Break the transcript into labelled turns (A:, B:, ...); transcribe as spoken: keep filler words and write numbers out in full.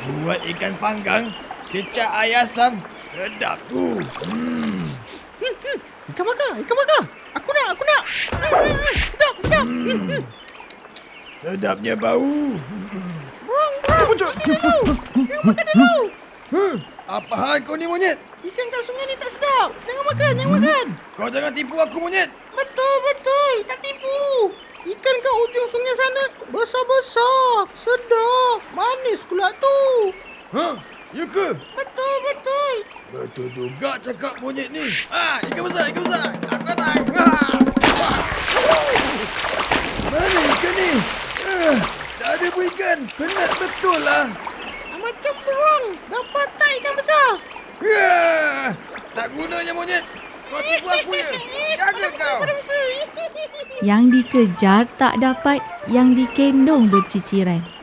A: Buat ikan panggang, cecah air asam. Sedap tu. Hmm.
B: Ikan bakar, ikan bakar. Aku nak, aku nak. Sedap, sedap.
A: Hmm. Sedapnya bau.
B: Burung, burung. Makan dulu. Jangan makan dulu.
A: Huh, apa hal kau ni monyet?
B: Ikan kat sungai ni tak sedap. Jangan makan, jangan makan.
A: Kau jangan tipu aku monyet.
B: Betul, betul. Tak tipu. Ikan kat ujung sungai sana besar-besar. Sedap. Manis pula tu.
A: Hah? Ya ke?
B: Betul, betul.
A: Betul juga cakap monyet ni. Ah, ikan besar, ikan besar. Aku datang. Ah. Mana ikan ni? Ah, tak ada pun ikan. Penat betul lah.
B: Macam burung. Dapat tak ikan besar?
A: Ah, tak gunanya monyet. Kau tipu aku je. Jaga kau.
C: Yang dikejar tak dapat, yang dikendong berciciran.